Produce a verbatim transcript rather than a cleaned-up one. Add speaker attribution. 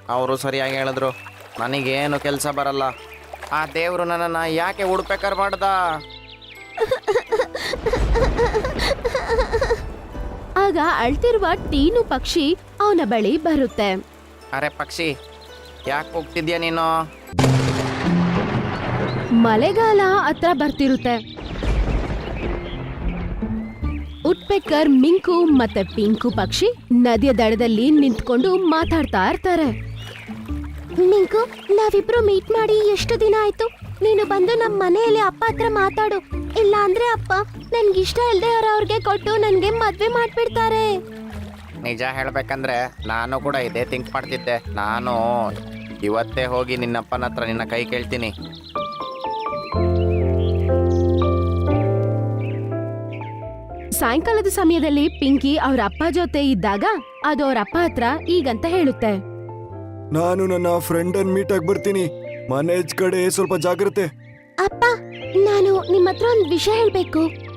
Speaker 1: ಅವರು ಸರಿಯಾಗಿ ಹೇಳಿದ್ರು. ನನಗೇನು ಕೆಲಸ ಬರಲ್ಲ. ಆ ದೇವರು ನನ್ನನ್ನು ಯಾಕೆ ಹುಡ್ಬೇಕಾರ್ ಮಾಡ್ದ?
Speaker 2: ಆಗ ಅಳ್ತಿರುವ ಟೀನು ಪಕ್ಷಿ ಅವನ ಬಳಿ ಬರುತ್ತೆ.
Speaker 1: ಅರೆ ಪಕ್ಷಿ, ಯಾಕೆ ಹೋಗ್ತಿದ್ಯಾ ನೀನು?
Speaker 2: ಮಳೆಗಾಲ ಹತ್ರ ಬರ್ತಿರುತ್ತೆ. ಉಟ್ಪೆಕ್ಕರ್, ಮಿಂಕು ಮತ್ತೆ ಪಿಂಕು ಪಕ್ಷಿ ನದಿಯ ದಡದಲ್ಲಿ ನಿಂತ್ಕೊಂಡು ಮಾತಾಡ್ತಾ ಇರ್ತಾರೆ. ಮಿಂಕು, ನಾವಿಬ್ರು ಮೀಟ್ ಮಾಡಿ ಎಷ್ಟು ದಿನ ಆಯ್ತು. ನೀನು ಬಂದು ನಮ್ಮ ಮನೆಯಲ್ಲಿ ಅಪ್ಪ ಹತ್ರ ಮಾತಾಡು. ಇಲ್ಲ ಅಂದ್ರೆ ಅಪ್ಪ ನನ್ಗಿಷ್ಟ ಇಲ್ದೆ ಅವ್ರವ್ರಿಗೆ ಕೊಟ್ಟು ನನ್ಗೆ ಮದ್ವೆ ಮಾಡ್ಬಿಡ್ತಾರೆ.
Speaker 1: ನಿಜ ಹೇಳ್ಬೇಕಂದ್ರೆ ನಾನು ಕೂಡ ಇದೇ ಥಿಂಕ್ ಮಾಡ್ತಿದ್ದೆ. ನಾನು ಇವತ್ತೇ ಹೋಗಿ ನಿನ್ನಪ್ಪನ ಹತ್ರ ನಿನ್ನ ಕೈ ಕೇಳ್ತೀನಿ.
Speaker 2: ಸಾಯಂಕಾಲದ ಸಮಯದಲ್ಲಿ ಪಿಂಕಿ ಅವ್ರ ಅಪ್ಪ ಜೊತೆ ಇದ್ದಾಗ ಅದು ಅವ್ರ ಅಪ್ಪ ಹತ್ರ ಈಗಂತ ಹೇಳುತ್ತೆ.
Speaker 3: ನಾನು ನನ್ನ ಫ್ರೆಂಡ್ ಅನ್ ಮೀಟ್ ಆಗಿ ಬರ್ತೀನಿ. ಮನೆ ಕಡೆ ಸ್ವಲ್ಪ ಜಾಗ್ರತೆ.
Speaker 2: ಅಪ್ಪ, ನಾನು ನಿಮ್ಮ ಹತ್ರ ಒಂದು ವಿಷಯ ಹೇಳ್ಬೇಕು.